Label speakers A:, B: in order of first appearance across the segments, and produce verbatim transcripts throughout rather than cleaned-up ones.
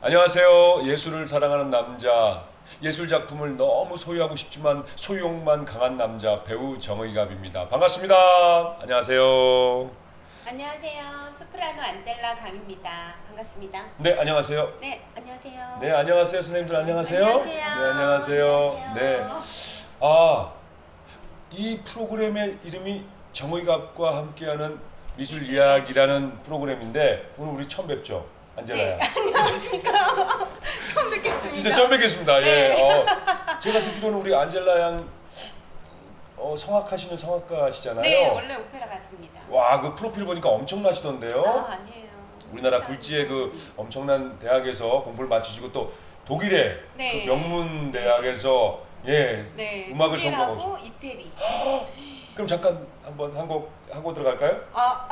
A: 안녕하세요. 예술을 사랑하는 남자, 예술 작품을 너무 소유하고 싶지만 소유욕만 강한 남자 배우 정의갑입니다. 반갑습니다. 안녕하세요.
B: 안녕하세요. 소프라노 안젤라 강입니다. 반갑습니다.
A: 네, 안녕하세요.
B: 네, 안녕하세요.
A: 네, 안녕하세요. 선생님들 안녕하세요.
B: 안녕하세요.
A: 네, 안녕하세요. 네. 아, 이 프로그램의 이름이 정의갑과 함께하는 미술
B: 미술
A: 이야기라는 프로그램인데 오늘 우리 처음 뵙죠? 안젤라야.
B: 네, 안녕하십니까. 처음 뵙겠습니다.
A: 진짜 처음 뵙겠습니다.
B: 네.
A: 예. 어, 제가 듣기로는 우리 안젤라 양 어, 성악하시는 성악가시잖아요.
B: 네, 원래 오페라 가수입니다.
A: 와, 그 프로필 보니까 엄청나시던데요.
B: 아, 아니에요.
A: 우리나라
B: 감사합니다.
A: 굴지의 그 엄청난 대학에서 공부를 마치시고 또 독일의
B: 네.
A: 그 명문 대학에서 예
B: 네,
A: 음악을
B: 독일하고
A: 전공하고.
B: 이태리.
A: 그럼 잠깐 한번 한 곡 하고 들어갈까요?
B: 아,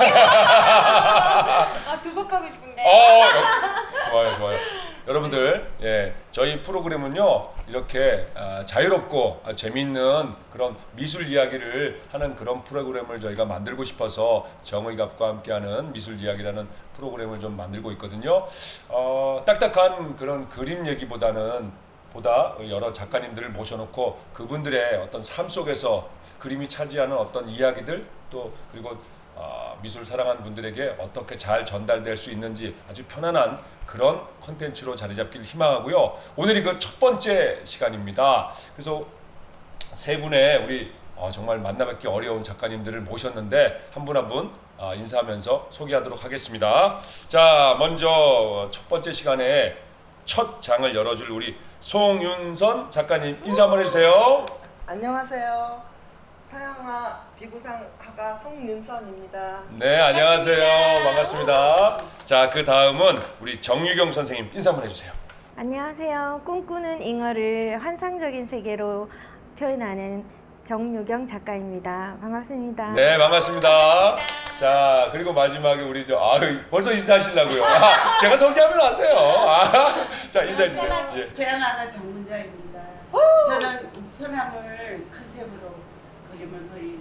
B: 아, 두 곡 하고 싶은데.
A: 어, 좋아요, 좋아요. 여러분들, 예, 저희 프로그램은요 이렇게 아, 자유롭고 아, 재미있는 그런 미술 이야기를 하는 그런 프로그램을 저희가 만들고 싶어서 정의갑과 함께하는 미술 이야기라는 프로그램을 좀 만들고 있거든요. 어, 딱딱한 그런 그림 얘기보다는 보다 여러 작가님들을 모셔놓고 그분들의 어떤 삶 속에서 그림이 차지하는 어떤 이야기들 또 그리고 어, 미술 사랑하는 분들에게 어떻게 잘 전달될 수 있는지 아주 편안한 그런 컨텐츠로 자리 잡기를 희망하고요. 오늘이 그 첫 번째 시간입니다. 그래서 세 분의 우리 어, 정말 만나뵙기 어려운 작가님들을 모셨는데 한 분 한 분 어, 인사하면서 소개하도록 하겠습니다. 자, 먼저 첫 번째 시간에 첫 장을 열어줄 우리 송윤선 작가님 인사 한번 해주세요.
C: 안녕하세요. 서영아 비구상화가 송윤선입니다.
A: 네, 안녕하세요.
B: 반갑습니다.
A: 반갑습니다. 자, 그 다음은 우리 정유경 선생님 인사 한번 해주세요.
D: 안녕하세요. 꿈꾸는 잉어를 환상적인 세계로 표현하는 정유경 작가입니다. 반갑습니다.
A: 네, 반갑습니다. 자, 그리고 마지막에 우리 저 아유 벌써 인사하시려고요. 아, 제가 소개하면 아세요. 아, 자, 인사해 주세요. 예.
E: 제안하는 장문자입니다. 저는 우편함을 컨셉으로 그림을 그리는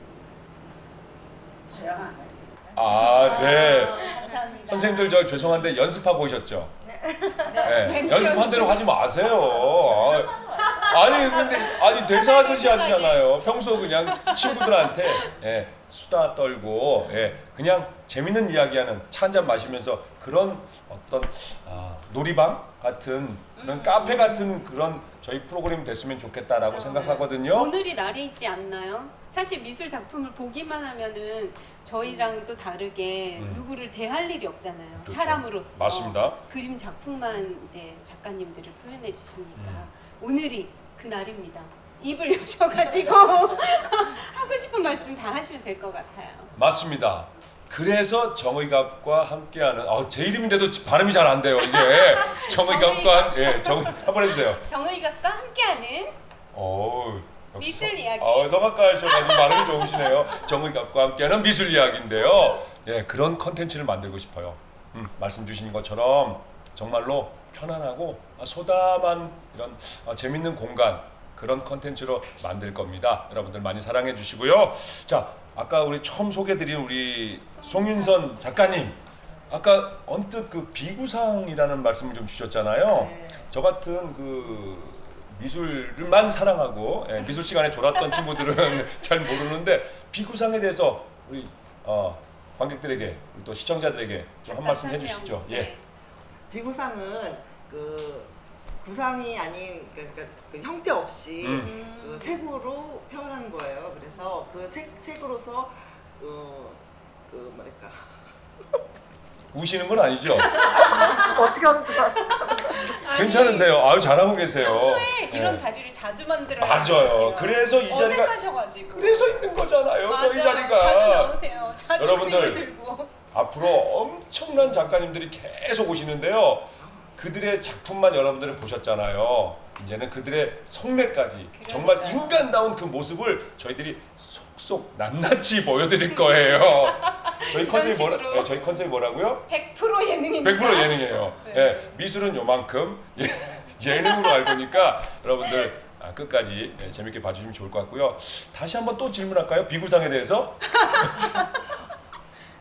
E: 서양아입니다.
A: 아, 네.
B: 감사합니다.
A: 선생님들 저 죄송한데 연습하고 오셨죠? 네. 연습한 대로 하지 마세요. 아, 아니 근데 아니 대사하듯이 하시잖아요. 평소 그냥 친구들한테 예, 수다 떨고 예, 그냥 재밌는 이야기하는 차 한잔 마시면서 그런 어떤 아, 놀이방 같은 그런 카페 같은 그런 저희 프로그램이 됐으면 좋겠다라고 생각하거든요.
B: 오늘이 날이지 않나요? 사실 미술 작품을 보기만 하면은 저희랑 또 다르게
A: 음.
B: 누구를 대할 일이 없잖아요.
A: 그렇죠.
B: 사람으로서.
A: 맞습니다.
B: 그림 작품만 이제 작가님들을 표현해 주시니까
A: 음.
B: 오늘이 그 날입니다. 입을 여셔가지고 하고 싶은 말씀 다 하시면 될 것 같아요.
A: 맞습니다. 그래서 정의갑과 함께하는 아, 제 이름인데도 발음이 잘 안 돼요. 이게 정의갑과 예, 정 한번 해주세요.
B: 정의각과 함께하는
A: 오, 역시
B: 미술
A: 성-
B: 이야기.
A: 아, 성악가셔가지고 발음이 좋으시네요. 정의갑과 함께하는 미술 이야기인데요. 예, 그런 컨텐츠를 만들고 싶어요. 음, 말씀 주신 것처럼 정말로 편안하고 아, 소담한 이런 아, 재밌는 공간 그런 컨텐츠로 만들 겁니다. 여러분들 많이 사랑해 주시고요. 자, 아까 우리 처음 소개드린 우리 송윤선 작가님, 아까 언뜻 그 비구상이라는 말씀을 좀 주셨잖아요.
C: 네.
A: 저 같은 그 미술만 사랑하고 예, 미술 시간에 졸았던 친구들은 잘 모르는데 비구상에 대해서 우리 어, 관객들에게 우리 또 시청자들에게 좀 한 말씀
B: 설명.
A: 해주시죠. 예.
B: 네.
C: 비구상은 그 구상이 아닌 그러니까 그 형태 없이
A: 음.
C: 그 색으로 표현한 거예요. 그래서 그 색 색으로서 어, 그 뭐랄까
A: 우시는 건 아니죠?
C: 어떻게 하는지
A: 괜찮으세요? 아유 잘하고 계세요.
B: 평소에 이런
A: 예.
B: 자리를 자주 만들어요.
A: 맞아요. 그래서 이 자리가
B: 어색하셔가지고.
A: 그래서 있는 거잖아요.
B: 맞아.
A: 저희 자리가.
B: 자주 나오세요. 자주
A: 여러분들.
B: 그림을 들고.
A: 앞으로 엄청난 작가님들이 계속 오시는데요. 그들의 작품만 여러분들은 보셨잖아요. 이제는 그들의 속내까지 정말
B: 그러니까요.
A: 인간다운 그 모습을 저희들이 속속 낱낱이 보여드릴 거예요. 저희
B: 이런
A: 컨셉이 뭐라?
B: 식으로.
A: 네, 저희 컨셉이 뭐라고요?
B: 백 퍼센트 예능입니다.
A: 백 퍼센트 예능이에요.
B: 네.
A: 예, 미술은 요만큼 예, 예능으로 알고니까 여러분들 아, 끝까지 예, 재밌게 봐주시면 좋을 것 같고요. 다시 한번 또 질문할까요? 비구상에 대해서?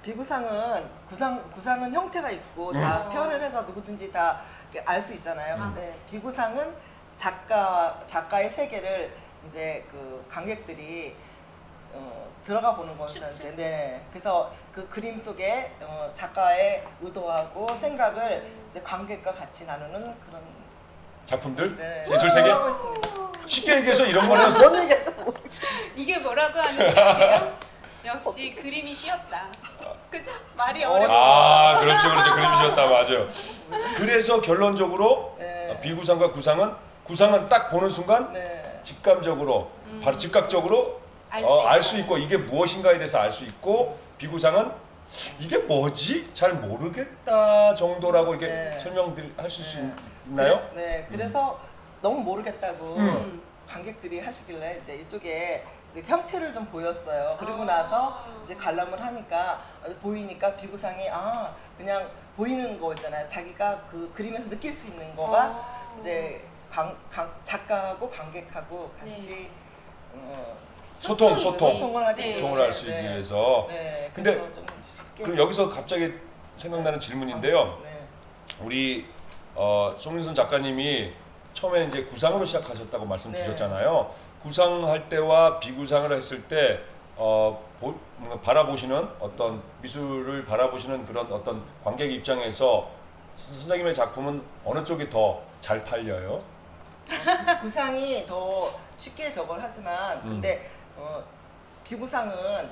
C: 비구상은 구상 구상은 형태가 있고
A: 음.
C: 다 표현을 해서 누구든지 다 알 수 있잖아요.
A: 음.
C: 근데 비구상은 작가 작가의 세계를 이제 그 관객들이 어, 들어가 보는 것인데, 네. 그래서 그 그림 속에 어, 작가의 의도하고 생각을 이제 관객과 같이 나누는 그런
A: 작품들
C: 네.
A: 예술 세계
C: 하고 있습니다.
A: 쉽게 얘기해서 이런 거는
C: 뭔 얘기했죠?
B: 이게 뭐라고 하는지 아세요? 역시 그림이 쉬었다. 그죠? 말이 어려워.
A: 아 그렇죠 그렇죠 그림이셨다 맞아요. 그래서 결론적으로
C: 네.
A: 비구상과 구상은 구상은 딱 보는 순간
C: 네.
A: 직감적으로
B: 음.
A: 바로 즉각적으로
B: 알 수
A: 어, 알 수
B: 있고.
A: 있고 이게 무엇인가에 대해서 알 수 있고 비구상은 이게 뭐지 잘 모르겠다 정도라고 이렇게
C: 네.
A: 설명하실 수
C: 네.
A: 있나요?
C: 그래, 네. 그래서 너무 모르겠다고
A: 음.
C: 관객들이 하시길래 이제 이쪽에 이제 형태를 좀 보였어요. 그리고
B: 아.
C: 나서 이제 관람을 하니까 보이니까 비구상이 아 그냥 보이는 거 있잖아요. 자기가 그 그림에서 느낄 수 있는 거가
B: 아.
C: 이제 관, 관, 작가하고 관객하고 같이
B: 네.
C: 어,
A: 소통
B: 소통이지.
A: 소통
C: 소통을 하기
B: 네.
C: 때문에
A: 소통을 할 수 있기
C: 네.
A: 위해서
C: 네.
A: 근데
C: 그래서 좀 쉽게
A: 그럼 여기서 갑자기 생각나는 질문인데요.
C: 네.
A: 우리 어, 송윤선 작가님이 처음에 이제 구상으로 시작하셨다고 말씀
C: 네.
A: 주셨잖아요. 구상할 때와 비구상을 했을 때 어, 보, 뭔가 바라보시는 어떤 미술을 바라보시는 그런 어떤 관객 입장에서 선생님의 작품은 어느 쪽이 더 잘 팔려요?
C: 구상이 더 쉽게 저걸 하지만
A: 음.
C: 근데 어, 비구상은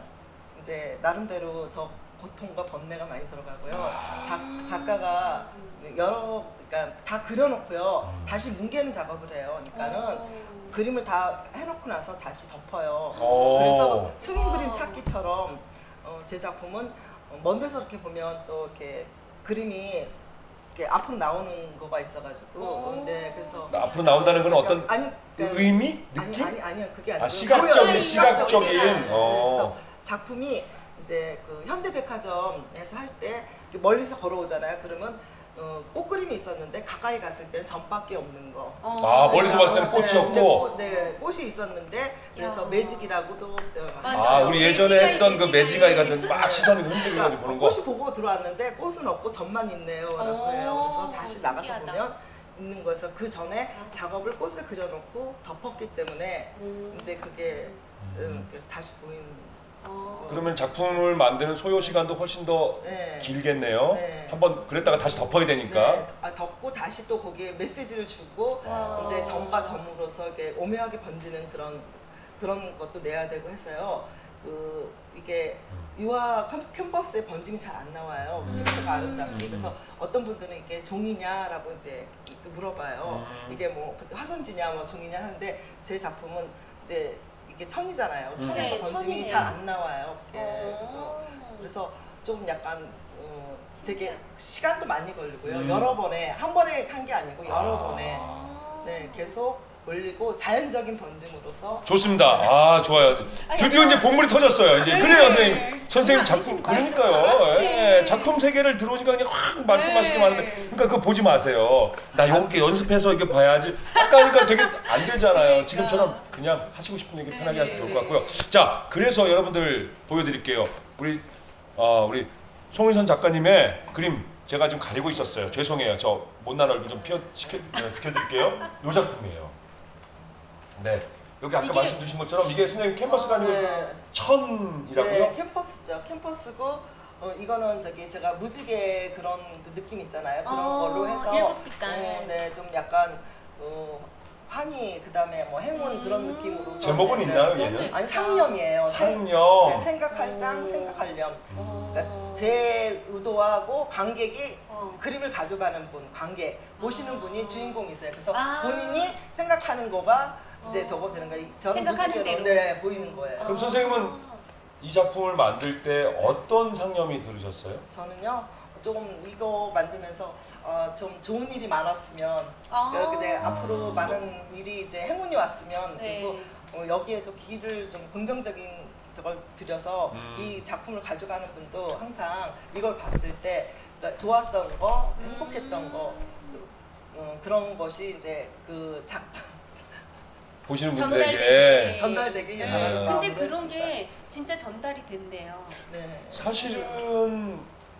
C: 이제 나름대로 더 고통과 번뇌가 많이 들어가고요.
A: 아.
C: 작, 작가가 여러 그러니까 다 그려놓고요.
A: 음.
C: 다시 뭉개는 작업을 해요. 그러니까는
B: 어.
C: 그림을 다 해놓고 나서 다시 덮어요.
A: 오.
C: 그래서 숨은
B: 와.
C: 그림 찾기처럼 어, 제 작품은 어, 먼 데서 이렇게 보면 또 이렇게 그림이 이렇게 앞으로 나오는 거가 있어가지고
B: 오.
C: 근데 그래서
A: 앞으로 나온다는 건 어떤
C: 아니 그러니까
A: 의미?
C: 아니
A: 느낌?
C: 아니 아니요 그게 아니고
A: 아, 시각적인,
C: 보여요.
A: 시각적인.
C: 네.
A: 어.
C: 그래서 작품이 이제 그 현대백화점에서 할 때 멀리서 걸어오잖아요. 그러면 어, 꽃그림이 있었는데 가까이 갔을 때는 전밖에 없는 거.
B: 어.
A: 아, 멀리서 봤을 때는 꽃이
C: 네,
A: 없고.
C: 근데 꽃, 네, 꽃이 있었는데 그래서
B: 야.
C: 매직이라고도 어,
B: 맞아요.
A: 아 우리 예전에
B: 매지가이,
A: 했던 그 매지가이
B: 매지가이.
A: 같은 막 시선이 흔들려가지고 보는 거.
C: 꽃이 보고 들어왔는데 꽃은 없고 점만 있네요라고
B: 오,
C: 해요. 그래서 다시 나가서
B: 신기하다.
C: 보면 있는 거여서 그 전에 작업을 꽃을 그려놓고 덮었기 때문에
B: 음.
C: 이제 그게
A: 음.
C: 음, 그 다시 보이는.
B: 어.
A: 그러면 작품을 만드는 소요 시간도 훨씬 더
C: 네.
A: 길겠네요.
C: 네.
A: 한번 그랬다가 다시 덮어야 되니까.
C: 네, 아, 덮고 다시 또 거기에 메시지를 주고
B: 와.
C: 이제 점과 점으로서 이게 오묘하게 번지는 그런 그런 것도 내야 되고 해서요. 그 이게 유화 캔- 캔버스에 번짐이 잘 안 나와요. 그 색채가 아름답게.
A: 음.
C: 그래서 어떤 분들은 이게 종이냐라고 이제 물어봐요.
A: 음.
C: 이게 뭐 그때 화선지냐 뭐 종이냐 하는데 제 작품은 이제 이게 천이잖아요. 천에서
B: 네,
C: 번짐이
B: 천이네요.
C: 잘 안 나와요. 그게.
B: 어.
C: 그래서 그래서 좀 약간 어, 되게
B: 신기하다.
C: 시간도 많이 걸리고요.
A: 음.
C: 여러 번에 한 번에 한 게 아니고 여러
A: 아.
C: 번에 네 계속 올리고 자연적인 번짐으로서
A: 좋습니다. 아 좋아요. 드디어 이제 본물이 터졌어요. 이제
B: 네.
A: 그래요, 선생님. 선생님 작품
B: 아니신 말씀
A: 그러니까요.
B: 잘하시네.
A: 예, 작품 세계를 들어오니까 그냥 확 말씀하시게
B: 네.
A: 많은데, 그러니까 그거 보지 마세요. 나 이렇게 연습해서 이렇게 봐야지. 아까 하니까 되게 안 되잖아요.
B: 그러니까.
A: 지금처럼 그냥 하시고 싶은 얘기 편하게
B: 네.
A: 하시면 좋을 것 같고요. 자, 그래서 여러분들 보여드릴게요. 우리 어, 우리 송인선 작가님의 그림 제가 지금 가리고 있었어요. 죄송해요. 저 못난 얼굴 좀 피어 시켜 네, 비켜드릴게요. 이 작품이에요. 네. 여기 아까
B: 이게-
A: 말씀 주신 것처럼 이게 선생님 캔버스가 아니고
C: 네.
A: 천이라고요?
C: 네, 캠퍼스죠. 캠퍼스고 어, 이거는 저기 제가 무지개 그런 그 느낌 있잖아요. 그런
B: 어,
C: 걸로 해서
B: 일곱 빛깔.
C: 어, 네, 좀 약간 어, 환희 그다음에 뭐 행운
B: 음.
C: 그런 느낌으로
A: 제목은
C: 이제,
A: 있나요,
C: 네.
A: 얘는?
C: 아니 상념이에요. 생-
A: 상념.
C: 네, 생각할 상,
B: 오.
C: 생각할 념.
B: 어.
C: 그러니까 제 의도하고 관객이
B: 어.
C: 그림을 가져가는 분, 관객 보시는 분이 주인공이세요. 그래서
B: 아.
C: 본인이 생각하는 거가 이제
B: 어.
C: 저거 되는 거예요. 저는
B: 생각하는
C: 무지개로
B: 대로.
C: 네, 보이는 거예요.
A: 그럼 선생님은 이 작품을 만들 때 어떤 상념이 들으셨어요?
C: 저는요 조금 이거 만들면서 어, 좀 좋은 일이 많았으면
B: 아.
C: 이렇게 네, 앞으로 많은 일이 이제 행운이 왔으면
B: 네.
C: 그리고 어, 여기에 또 길을 좀 긍정적인 저걸 들여서
A: 음.
C: 이 작품을 가져가는 분도 항상 이걸 봤을 때 그러니까 좋았던 거, 행복했던 거 어, 그런 것이 이제 그 작
A: 보시는
B: 전달되게.
A: 분들에게
C: 전달되게
A: 네.
C: 바라는
B: 근데
C: 마음으로
B: 그런
C: 했습니다.
B: 게 진짜 전달이 된대요.
C: 네.
A: 사실은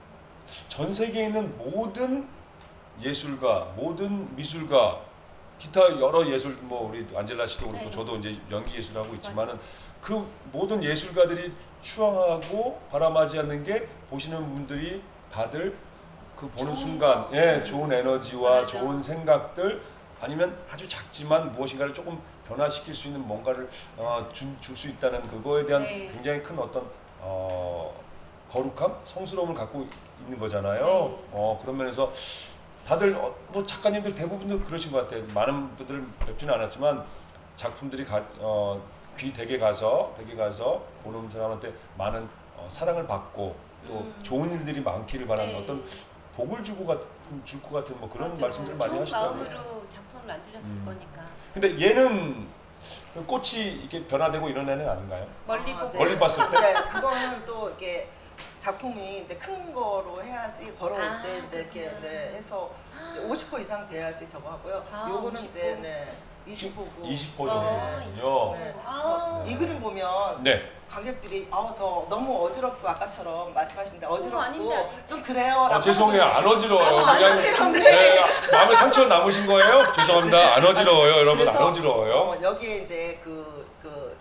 A: 전 세계에 있는 모든 예술가, 모든 미술가, 기타 여러 예술 뭐 우리 안젤라 씨도 그렇고
B: 네.
A: 저도 이제 연기 예술하고 있지만은 그 모든 예술가들이 추앙하고 바람하지 않는 게 보시는 분들이 다들 그 보는
B: 좋은
A: 순간
B: 거.
A: 예, 좋은 에너지와
B: 맞아.
A: 좋은 생각들 아니면 아주 작지만 무엇인가를 조금 변화시킬 수 있는 뭔가를 어, 줄 수 있다는 그거에 대한
B: 네.
A: 굉장히 큰 어떤 어, 거룩함, 성스러움을 갖고 있는 거잖아요.
B: 네.
A: 어, 그런 면에서 다들 어, 뭐 작가님들 대부분도 그러신 것 같아요. 많은 분들을 뵙지는 않았지만 작품들이 가, 어, 귀 댁에 가서 댁에 가서 보는 사람한테 많은 어, 사랑을 받고 또
B: 음.
A: 좋은 일들이 많기를 바라는
B: 네.
A: 어떤 복을 주고 같은 줄 것 같은 뭐 그런
B: 맞아.
A: 말씀들 많이
B: 좋은
A: 하시더라고요.
B: 마음으로 작품을 만드셨을
A: 음.
B: 거니까.
A: 근데 얘는 꽃이 이렇게 변화되고 이런 애는 아닌가요?
B: 멀리
C: 아,
B: 보고.
C: 네.
A: 멀리 봤을 때?
C: 네, 그거는 또 이렇게 작품이 이제 큰 거로 해야지 걸어올
B: 아,
C: 때 이제 이렇게
B: 그렇구나.
C: 네, 해서 이제 오십 호 이상 돼야지 저거 하고요.
B: 아,
C: 요거는
B: 오십 호.
C: 이제 네, 이십 호고.
A: 이십 호
B: 아,
A: 정도군요.
B: 이십 호.
C: 네,
B: 아.
C: 그래서 이 그림 보면
A: 네.
C: 관객들이 아 저 너무 어지럽고 아까처럼 말씀하셨는데 어지럽고
B: 아닌데, 아닌데.
C: 좀 그래요라고
A: 아, 죄송해요. 안 어지러워요.
B: 어, 안
A: 그냥,
B: 어지럽네.
A: 네, 마음에 상처 남으신 거예요? 죄송합니다. 안 어지러워요. 여러분 안
C: 그래서,
A: 어지러워요.
C: 어, 여기에 이제 그, 그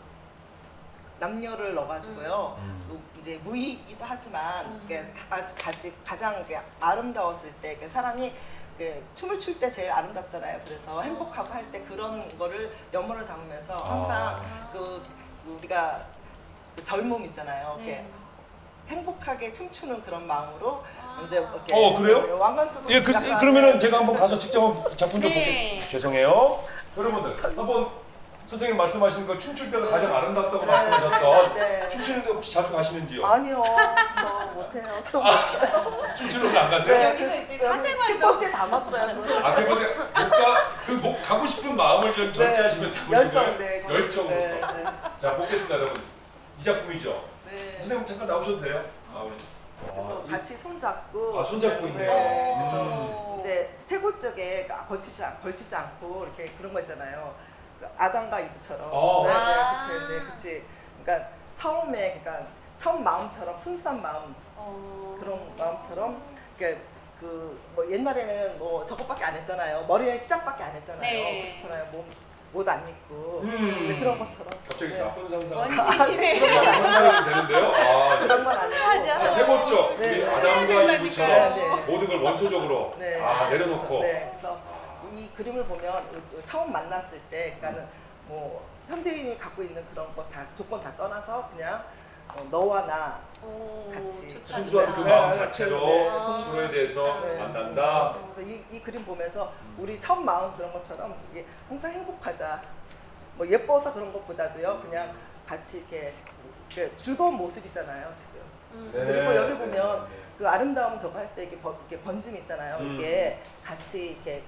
C: 남녀를 넣어가지고요.
A: 음.
C: 그 이제 무의이기도 하지만
B: 음.
C: 이게 아주 가지, 가장 이게 아름다웠을 때 이렇게 사람이 그 춤을 출 때 제일 아름답잖아요. 그래서 행복하고 할 때 그런 거를 염원을 담으면서 항상
B: 아.
C: 그 우리가 그 젊음 있잖아요. 이렇게
B: 네.
C: 행복하게 춤추는 그런 마음으로
B: 아.
C: 이제 이렇게
A: 어, 그래요?
C: 왕관 쓰고
A: 예, 그,
C: 약간
A: 그러면은 제가 한번 가서 직접 한번 작품 좀
B: 네.
A: 볼게요. 죄송해요. 여러분들 한번 선생님 말씀하신 거 춤출 때가 가장 아름답다고
C: 네,
A: 말씀하셨던
C: 네, 네.
A: 춤추는데 혹시 자주 가시는지요?
C: 아니요, 저 못해요. 저 못해요.
A: 춤추는 거안 가세요?
C: 네.
B: 여기서 이제 사생활도.
C: 캠퍼스에 담았어요. 그거.
A: 아, 그래서 못가그 가고 싶은 마음을 좀 절제하시면 담으신
C: 열정,
A: 거예요?
C: 네. 거기.
A: 열정으로서.
C: 네, 네.
A: 자, 보겠습니다, 여러분. 이 작품이죠.
C: 네.
A: 선생님 잠깐 나오셔도 돼요? 아, 우리.
C: 그래서
A: 아, 이-
C: 같이 손잡고.
A: 아, 손잡고 있네요.
C: 네.
A: 음.
C: 그래서 이제 태고 쪽에 걸치지, 않- 걸치지 않고 이렇게 그런 거 있잖아요. 그 아담과 이브처럼.
A: 어.
C: 네,
B: 아.
C: 네, 그치, 네, 그치. 그러니까 처음에, 그러니까 처음 마음처럼 순수한 마음
B: 어.
C: 그런 마음처럼 그러니까 그뭐 옛날에는 뭐 저것밖에 안 했잖아요. 머리에 시작밖에 안 했잖아요.
B: 네.
C: 그렇잖아요. 옷 안 입고
A: 음.
C: 네, 그런 것처럼.
A: 갑자기
C: 네.
A: 나쁜 상상.
B: 원시시네.
A: 그런 상상이 되는데요. 아,
C: 그런 건 아니고.
B: 하지 않아.
A: 아, 해봤죠?
C: 네,
A: 우리
C: 네.
A: 아담과
B: 해야
A: 이브처럼
C: 된다니까요. 네.
A: 모든 걸 원초적으로
C: 네.
A: 아, 내려놓고.
C: 네, 그래서 이 그림을 보면 처음 만났을 때, 그러니까는 뭐 현대인이 갖고 있는 그런 거 다 조건 다 떠나서 그냥 어, 너와 나
B: 오,
C: 같이
B: 좋다,
A: 순수한 그
B: 좋다.
A: 마음
C: 네,
A: 자체로
C: 네,
A: 서로에 대해서
C: 네.
A: 만난다.
C: 그래서 이, 이 그림 보면서 우리 첫 마음 그런 것처럼 이게 항상 행복하자. 뭐 예뻐서 그런 것보다도요, 그냥 같이 이렇게, 이렇게 즐거운 모습이잖아요, 지금.
B: 음.
A: 네.
C: 그리고 여기 보면
A: 네.
C: 그 아름다움 저거 할 때 이게, 번, 이게 번짐 있잖아요.
A: 음.
C: 이게 같이 이렇게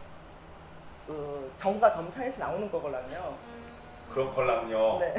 C: 그 점과 점 사이에서 나오는 거거든요.
B: 음.
A: 그런 컬랑요.
C: 네.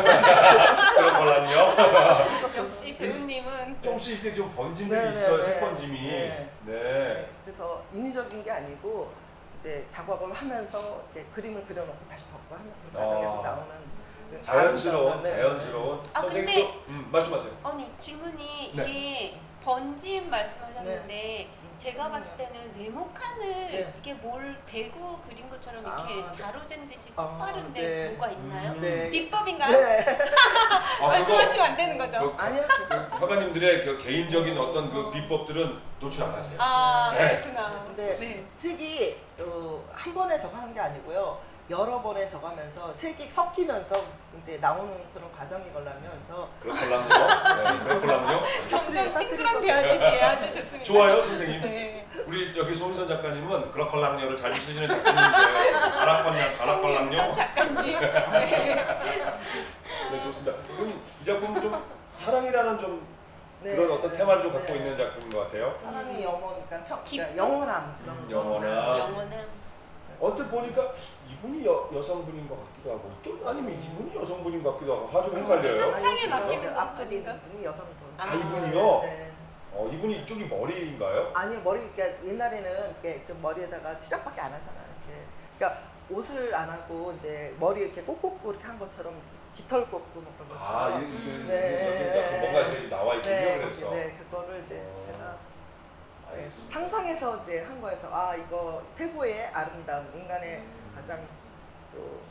A: 그런 컬랑요.
B: 역시 배우님은
A: 조금씩 이렇게 좀 번짐들이
C: 네, 네,
A: 있어요.
C: 네.
A: 색번짐이.
C: 네.
A: 네.
C: 네. 그래서 인위적인 게 아니고 이제 작업을 하면서 이렇게 그림을 그려놓고 다시 덮고 하는 그 과정에서
A: 아.
C: 나오는 그
A: 자연스러운,
C: 아름다운, 네.
A: 자연스러운.
B: 아,
A: 선생님도
B: 근데-
A: 음, 말씀하세요.
B: 아니 질문이
A: 네.
B: 이게 번짐 말씀하셨는데 제가
C: 음.
B: 봤을 때는 네모칸을
C: 네.
B: 이게 뭘 대고 그린 것처럼 이렇게
C: 아, 네.
B: 자로잰 듯이
C: 아,
B: 빠른데
C: 네.
B: 뭐가 있나요?
A: 음.
C: 네.
B: 비법인가요?
C: 네.
A: 아,
B: 말씀하시면 안 되는 거죠?
A: 그
C: 아니요, 괜찮습니다.
A: 화가님들의 그 개인적인 어떤 그 비법들은 노출 안 하세요.
B: 아
A: 네.
B: 그렇구나.
C: 근데
B: 네.
C: 색이 어, 한 번에 저거 하는 게 아니고요. 여러 번에 저거 하면서 색이 섞이면서 이제 나오는 그런 과정이 걸라면서
A: 그런 컬랑요. 네, 그런 컬랑요.
B: 점점
C: 사투리
B: 싱크론
C: 썼어요.
B: 대하듯이 아주 좋습니다.
A: 좋아요, 선생님.
B: 네.
A: 우리 저기 손선 작가님은 그런 컬랑요를 잘 쓰시는 작가님이세요. 아락컬랑, 아락컬랑요.
B: 손 작가님. 네.
A: 네, 좋습니다. 그럼 이 작품은 좀 사랑이라는 좀
C: 네,
A: 그런 어떤
C: 네,
A: 테마를 좀 갖고
C: 네.
A: 있는 작품인 것 같아요.
C: 사랑이 영원, 그러니까, 평,
B: 기쁨?
C: 그러니까 영원함 그런
A: 음,
C: 거.
A: 영원함.
B: 영원한.
A: 언뜻 보니까 이분이 여, 여성분인 것 같기도 하고 또 아니면 이분이 여성분인 것 같기도 하고 아주 헷갈려요.
B: 상상에
C: 아니,
B: 맡기는 거
C: 앞쪽에
B: 아닌가?
C: 분이 여성분.
B: 아,
A: 아, 이분이요?
C: 네.
A: 어, 이분이 이쪽이 머리인가요?
C: 아니 머리 그러니까 옛날에는 이렇게 좀 머리에다가 치장밖에 안 하잖아요. 이렇게. 그러니까 옷을 안 하고 이제 머리 이렇게 꽂고 이렇게 한 것처럼 깃털 꽂고 뭐 그런
A: 아,
C: 것처럼.
A: 이게 이게
C: 네.
A: 뭔가 이렇게 나와 있군요.
C: 네,
A: 그래서.
C: 네, 그거를 이제
A: 어.
C: 제가 네,
A: 알겠습니다.
C: 상상해서 이제 한 거에서 아 이거 태고의 아름다움, 인간의 가장 또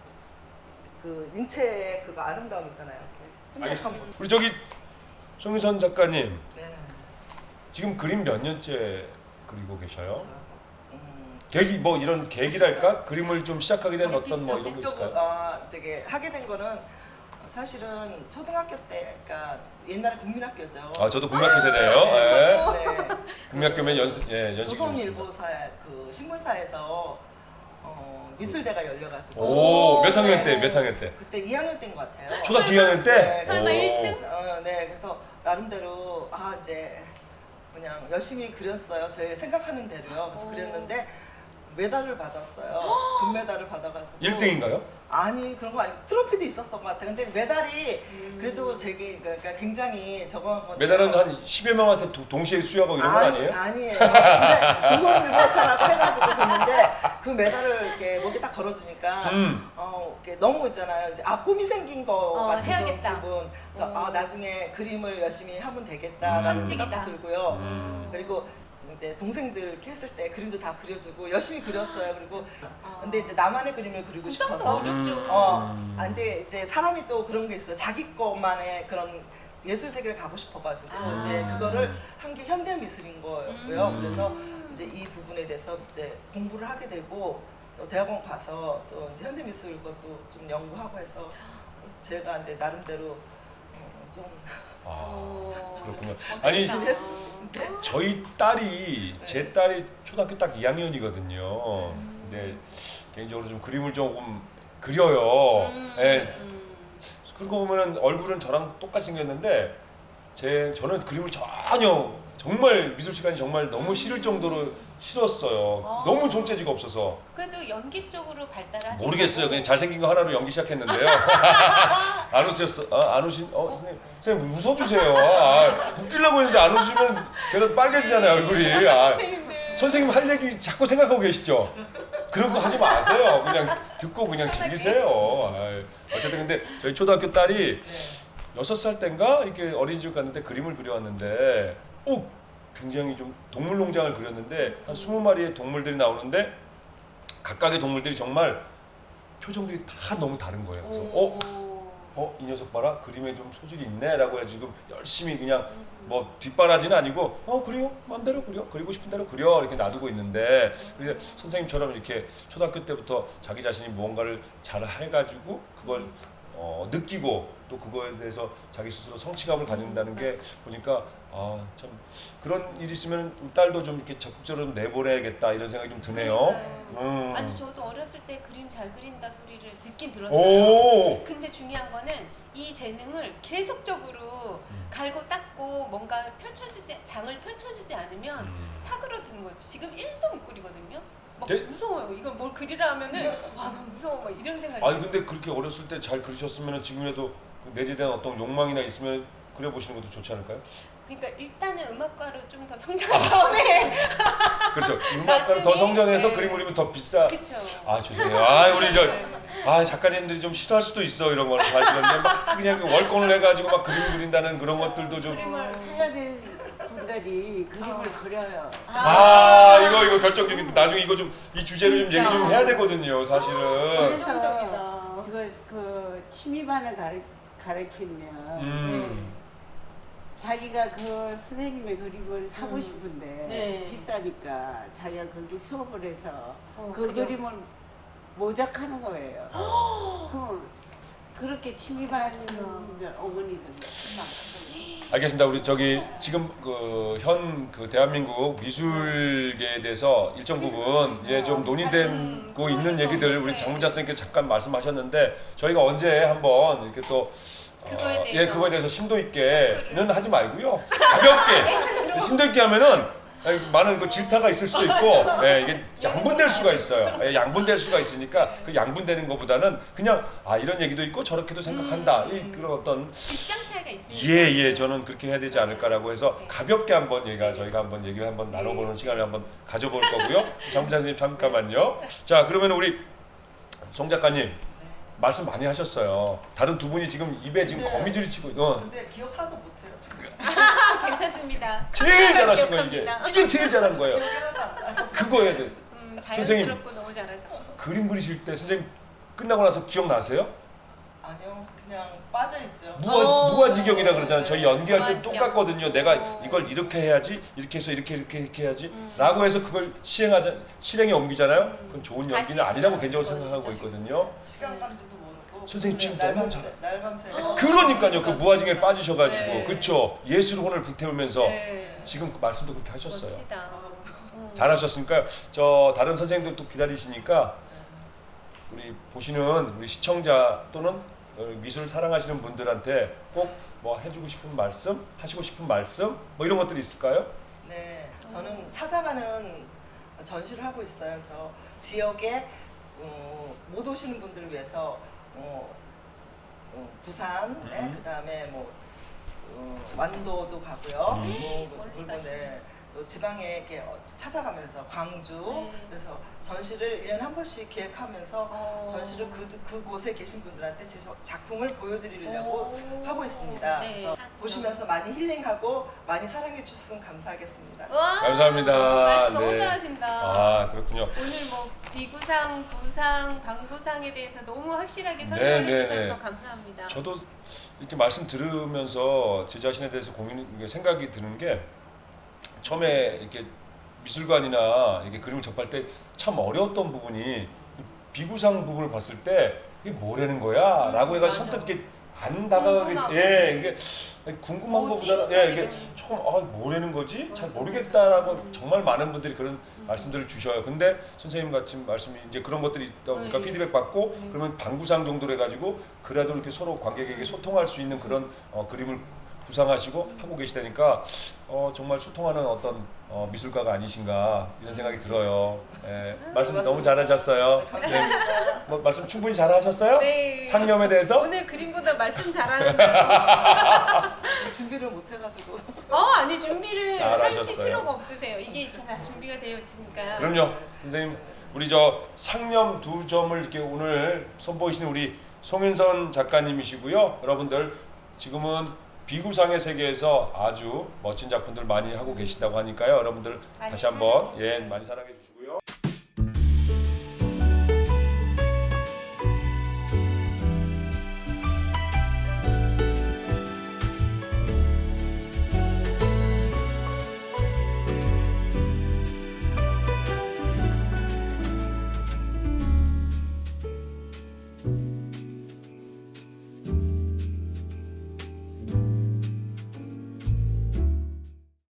C: 그 인체의 그거 아름다움 있잖아요. 이렇게 행복한
A: 알겠습니다.
C: 모습.
A: 우리 저기 송유선 작가님
C: 네.
A: 지금 그림 몇 년째 그리고 계셔요?
C: 저, 음,
A: 계기 뭐 이런 계기랄까? 그림을 좀 시작하게 된 어떤 뭐 이런 게
C: 적극적으로
A: 있을까요?
C: 어, 저기 하게 된 거는 사실은 초등학교 때, 그러니까 옛날에 국민학교죠.
A: 아 저도 국민학교 세대예요.
C: 네,
A: 예.
C: 저도, 네.
A: 국민학교면 연습 예 연습.
C: 조선일보사 그 신문사에서 어, 미술대가 열려가지고.
A: 오, 몇 학년
C: 네.
A: 때? 몇 학년 때?
C: 그때 이 학년 때인 것 같아요.
A: 초등학교 이 학년 때?
C: 네,
B: 설마
A: 오.
B: 일 등?
C: 어, 네, 그래서 나름대로 아 이제 그냥 열심히 그렸어요. 제 생각하는 대로요. 그래서
B: 오.
C: 그렸는데 메달을 받았어요. 금메달을 받아가지고.
A: 일 등인가요?
C: 아니 그런 거 아니 트로피도 있었던 것 같아. 근데 메달이
B: 음.
C: 그래도 되게 그러니까 굉장히 저거 건데.
A: 메달은 한 십여 명한테 도- 동시에 수여하고 이런 건 아니에요?
C: 아니에요. 근데 조선일보사라고 해가지고 줬는데 그 메달을 이렇게 목에 딱 걸어주니까
A: 음.
C: 어 이렇게 너무 있잖아요. 이제 아 꿈이 생긴 거
B: 어,
C: 같은 그런
B: 해야겠다.
C: 기분. 그래서
B: 어.
C: 아 나중에 그림을 열심히 하면 되겠다라는
B: 천직이다.
C: 생각도 들고요.
A: 음.
C: 그리고 이제 동생들 이렇게 했을 때 그림도 다 그려주고 열심히 그렸어요. 그리고
B: 아.
C: 근데 이제 나만의 그림을 그리고
B: 부담도
C: 싶어서
B: 어렵죠.
C: 어,
A: 음.
C: 아, 근데 이제 사람이 또 그런 게 있어요. 자기 것만의 그런 예술 세계를 가고 싶어가지고
B: 아.
C: 이제 그거를 한 게 현대 미술인 거고요.
B: 음.
C: 그래서 이제 이 부분에 대해서 이제 공부를 하게 되고 또 대학원 가서 또 이제 현대 미술 것도 좀 연구하고 해서 제가 이제 나름대로 어, 좀
A: 아
B: 어.
A: 그렇군요.
B: 멋지다.
A: 아니
C: 열심히 했어. 네.
A: 저희 딸이 제 딸이 초등학교 딱 이 학년이거든요.
B: 음.
A: 근데 개인적으로 좀 그림을 조금 그려요.
B: 음.
A: 예.
B: 음.
A: 그러고 보면은 얼굴은 저랑 똑같이 생겼는데 제 저는 그림을 전혀 정말 미술 시간이 정말 너무 싫을 정도로 싫었어요.
B: 아.
A: 너무 존재지가 없어서
B: 그래도 연기 쪽으로 발달하신
A: 모르겠어요.
B: 거고.
A: 그냥 잘생긴 거 하나로 연기 시작했는데요. 안 웃으셨어? 아, 안 웃으신? 어 선생님, 선생님 웃어주세요. 아, 웃기려고 했는데 안 웃으면 제가 빨개지잖아요 얼굴이. 아,
B: 선생님들.
A: 선생님 할 얘기 자꾸 생각하고 계시죠? 그런 거 하지 마세요. 그냥 듣고 그냥 즐기세요. 아, 어쨌든 근데 저희 초등학교 딸이 여섯 살 땐가 이렇게 어린이집 갔는데 그림을 그려왔는데 오 굉장히 좀 동물농장을 그렸는데 한 스무 마리의 동물들이 나오는데 각각의 동물들이 정말 표정들이 다 너무 다른 거예요. 그래서 어? 어? 이 녀석 봐라 그림에 좀 소질이 있네 라고 해서 지금 열심히 그냥 뭐 뒷바라지는 아니고 어 그래요 마음대로 그려 그리고 싶은 대로 그려 이렇게 놔두고 있는데 그래서 선생님처럼 이렇게 초등학교 때부터 자기 자신이 무언가를 잘 해가지고 그걸 어, 느끼고 또 그거에 대해서 자기 스스로 성취감을 가진다는 게 보니까 아 참 그런 일이 있으면 우리 딸도 좀 이렇게 적극적으로 좀 내보내야겠다 이런 생각이 좀 드네요.
B: 그러니까요.
A: 음.
B: 아니 저도 어렸을 때 그림 잘 그린다 소리를 듣긴 들었어요.
A: 오.
B: 근데 중요한 거는 이 재능을 계속적으로
A: 음.
B: 갈고 닦고 뭔가 펼쳐주지 장을 펼쳐주지 않으면
A: 음.
B: 사그러드는 거죠. 지금 일도 못 그리거든요. 막
A: 네?
B: 무서워요. 이걸 뭘 그리라 하면은 와 너무 무서워 막 이런 생각이.
A: 아니 근데 그렇게 어렸을 때 잘 그리셨으면 지금이라도 그 내재에 대한 어떤 욕망이나 있으면 그려보시는 것도 좋지 않을까요?
B: 그러니까 일단은 음악가로 좀 더 성장한 다음에
A: 그렇죠. 음악가로 더
B: 나중에,
A: 성장해서
B: 네.
A: 그림 그리면 더 비싸.
B: 그쵸.
A: 아 죄송해요. 아 우리 저 아 작가님들이 좀 싫어할 수도 있어 이런 거는 사실은 근데 막 그냥 월권을 해가지고 막 그림 그린다는 그런 것들도 좀.
B: 그림을
E: 해야 될 분들이 그림을 그려요.
A: 아 이거 이거 결정적인 나중에 이거 좀 이 주제를 좀
B: 진짜.
A: 얘기 좀 해야 되거든요 사실은.
E: 그래서
B: 성적이다.
E: 그, 그 취미반을 가르, 가르치면
A: 음.
E: 자기가 그 선생님의 그림을 사고
B: 음.
E: 싶은데
B: 네.
E: 비싸니까 자기가 거기 수업을 해서
B: 어,
E: 그
B: 그려.
E: 그림을 모작하는 거예요. 그 그렇게 취미반 어머니들 많거든요.
A: 알겠습니다. 우리 저기 지금 그 현 그 대한민국 미술계에 대해서 일정 부분 예 좀 논의되고 있는 얘기들 우리 장문자 선생님께서 잠깐 말씀하셨는데 저희가 언제 한번 이렇게 또 어,
B: 그거에 대해서.
A: 예 그거에 대해서 심도 있게는 하지 말고요 가볍게 심도 있게 하면은 예, 많은 그 질타가 있을 수도 있고 예, 이게 양분될 수가 있어요. 예, 양분될 수가 있으니까 그 양분되는 것보다는 그냥 아 이런 얘기도 있고 저렇게도 생각한다 이 그런 어떤
B: 입장 차이가 있으니까.
A: 예, 예, 저는 그렇게 해야 되지 않을까라고 해서
B: 네.
A: 가볍게 한번 얘기가 저희가 한번 얘기를 한번 나눠보는 시간을 한번 가져볼 거고요. 장부장 선생님 잠깐만요. 자, 그러면 우리 송 작가님 말씀 많이 하셨어요. 다른 두 분이 지금 입에 지금
C: 네.
A: 거미줄이 치고 어.
C: 근데 기억 하나도 못해요 지금.
B: 아, 괜찮습니다.
A: 제일 잘하신 거예요 이게.
B: 기억합니다.
A: 이게 제일 잘한 거예요.
C: 기억이 하나도 안 나요.
A: 그거예요. 이제.
B: 음,
A: 선생님.
B: 자연스럽고 너무 잘하셔.
A: 그림 그리실 때 선생님 끝나고 나서 기억나세요?
C: 아니요, 그냥 빠져 있죠.
A: 무아,
B: 어.
A: 무아지경이라 그러잖아요. 저희 연기할 때
B: 무아지경.
A: 똑같거든요. 내가
B: 어.
A: 이걸 이렇게 해야지, 이렇게 해서 이렇게 이렇게 이렇게 해야지
B: 음.
A: 라고 해서 그걸 시행하자, 실행에 옮기잖아요.
B: 음.
A: 그건 좋은
B: 다시
A: 연기는 아니라고
B: 해야
A: 개인적으로
B: 되는
A: 생각하고
B: 거죠.
A: 있거든요.
C: 시간 가는지도 모르고.
A: 선생님 지금
C: 그냥
A: 너무
C: 날밤새, 날밤새.
B: 어.
A: 그러니까요. 그 무아지경에 빠지셔가지고
B: 네.
A: 그쵸. 예술의 혼을 불태우면서
B: 네.
A: 지금 그 말씀도 그렇게 하셨어요.
B: 멋지다. 음.
A: 잘하셨으니까요. 저 다른 선생님도 또 기다리시니까 우리 보시는 우리 시청자 또는 어, 미술 사랑하시는 분들한테 꼭 뭐 해주고 싶은 말씀, 하시고 싶은 말씀 뭐 이런 것들이 있을까요?
C: 네, 저는 찾아가는 전시를 하고 있어요. 그래서 지역에 어, 못 오시는 분들을 위해서 어, 어, 부산,
A: 음.
C: 네, 그다음에 뭐 어, 완도도 가고요.
A: 음.
C: 뭐,
B: 멀리
C: 그리고
B: 가시네.
C: 네, 또 지방에 이렇게 어, 찾아가면서 광주,
B: 네.
C: 그래서 전시를 일 년에 한 번씩 기획하면서
B: 어.
C: 전시를 그, 그곳에 계신 분들한테 제 저- 작품을 보여드리려고
B: 오.
C: 하고 있습니다.
B: 네.
C: 그래서 보시면서 많이 힐링하고 많이 사랑해 주셨으면 감사하겠습니다.
B: 와,
A: 감사합니다.
B: 말씀 너무
A: 네.
B: 잘하신다.
A: 아 그렇군요.
B: 오늘 뭐 비구상, 부상, 방구상에 대해서 너무 확실하게
A: 네,
B: 설명해
A: 네,
B: 주셔서
A: 네.
B: 감사합니다.
A: 저도 이렇게 말씀 들으면서 제 자신에 대해서 고민 생각이 드는 게 처음에 이렇게 미술관이나 이렇게 그림을 접할 때 참 어려웠던 부분이 비구상 부분을 봤을 때 이게 뭐라는 거야?라고
B: 음,
A: 해가
B: 맞아.
A: 선뜻 이렇게 안 다가가게
B: 궁금하고.
A: 예 이게 궁금한
B: 뭐지?
A: 것보다는 예 이게
B: 이런.
A: 조금 아 뭐라는 거지 잘
B: 맞아,
A: 모르겠다라고
B: 맞아. 음.
A: 정말 많은 분들이 그런
B: 음.
A: 말씀들을 주셔요. 근데 선생님 같이 말씀이 이제 그런 것들이 있다 보니까
B: 네.
A: 피드백 받고
B: 네.
A: 그러면 방구상 정도로 해가지고 그래도 이렇게 서로 관객에게 소통할 수 있는 그런 어, 그림을 구상하시고 하고 계시다니까 어, 정말 소통하는 어떤 어, 미술가가 아니신가 이런 생각이 들어요. 예, 말씀 너무
C: 고맙습니다.
A: 잘하셨어요.
C: 네, 감사합니다.
A: 뭐, 말씀 충분히 잘하셨어요?
B: 네.
A: 상념에 대해서?
B: 오늘 그림보다 말씀 잘하는데.
C: 준비를 못 해가지고.
B: 어, 아니 준비를 하실
A: 잘하셨어요.
B: 필요가 없으세요. 이게 다 준비가 되어 있으니까.
A: 그럼요. 선생님 우리 저 상념 두 점을 이렇게 오늘 선보이시는 우리 송윤선 작가님이시고요. 여러분들 지금은 비구상의 세계에서 아주 멋진 작품들 많이 하고 계시다고 하니까요. 여러분들
B: 많이
A: 다시 한번
B: 사랑해
A: 예 많이 사랑해 주시고